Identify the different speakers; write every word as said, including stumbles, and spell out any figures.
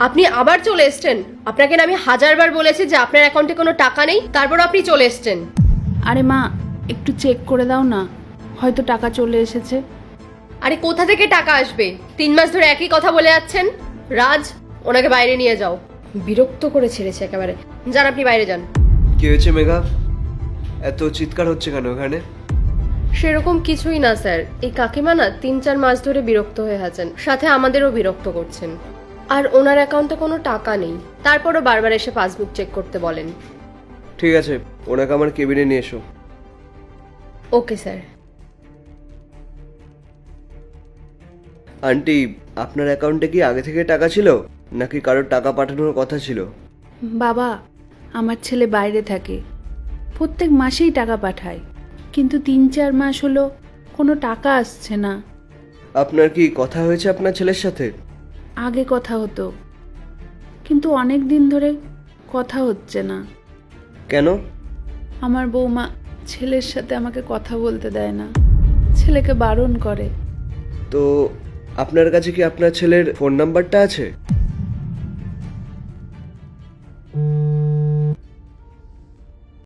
Speaker 1: আপনি আবার চলে এসছেন? আপনাকে না আমি হাজারবার বলেছি যে আপনার অ্যাকাউন্টে কোনো টাকা নেই, তারপর আপনি চলে এসছেন।
Speaker 2: আরে মা, একটু চেক করে দাও না, হয়তো টাকা চলে এসেছে।
Speaker 1: আরে কোথা থেকে টাকা আসবে? তিন মাস ধরে একই কথা বলে যাচ্ছেন। রাজ, ওনাকে বাইরে নিয়ে যাও। বিরক্ত করে ছেড়েছে একেবারে। যান, আপনি বাইরে যান।
Speaker 3: কি হয়েছে মেঘা? এত চিৎকার হচ্ছে কেন এখানে?
Speaker 1: সেরকম কিছুই না স্যার, এই কাকিমা না তিন চার মাস ধরে বিরক্ত হয়ে আছেন, সাথে আমাদেরও বিরক্ত করছেন। আর ওনার অ্যাকাউন্টে কোনো টাকা নেই, তারপরও বারবার এসে পাসবুক চেক করতে বলেন।
Speaker 3: ঠিক আছে, ওনাকে আমার কেবিনে নিয়ে এসো।
Speaker 1: Okay sir.
Speaker 3: আন্টি, আপনার অ্যাকাউন্টে কি আগে থেকে টাকা ছিল, নাকি কারোর টাকা পাঠানোর কথা ছিল?
Speaker 2: বাবা, আমার ছেলে বাইরে থাকে, প্রত্যেক মাসেই টাকা পাঠায়, কিন্তু তিন চার মাস হলো কোনো টাকা আসছে না।
Speaker 3: আপনার কি কথা হয়েছে আপনার ছেলের সাথে?
Speaker 2: আগে কথা হতো, কিন্তু অনেক দিন ধরে কথা হচ্ছে না।
Speaker 3: কেন?
Speaker 2: আমার বৌমা ছেলের সাথে আমাকে কথা বলতে দেয় না, ছেলেকে বারণ করে।
Speaker 3: তো আপনার কাছে কি আপনার ছেলের ফোন নাম্বারটা আছে?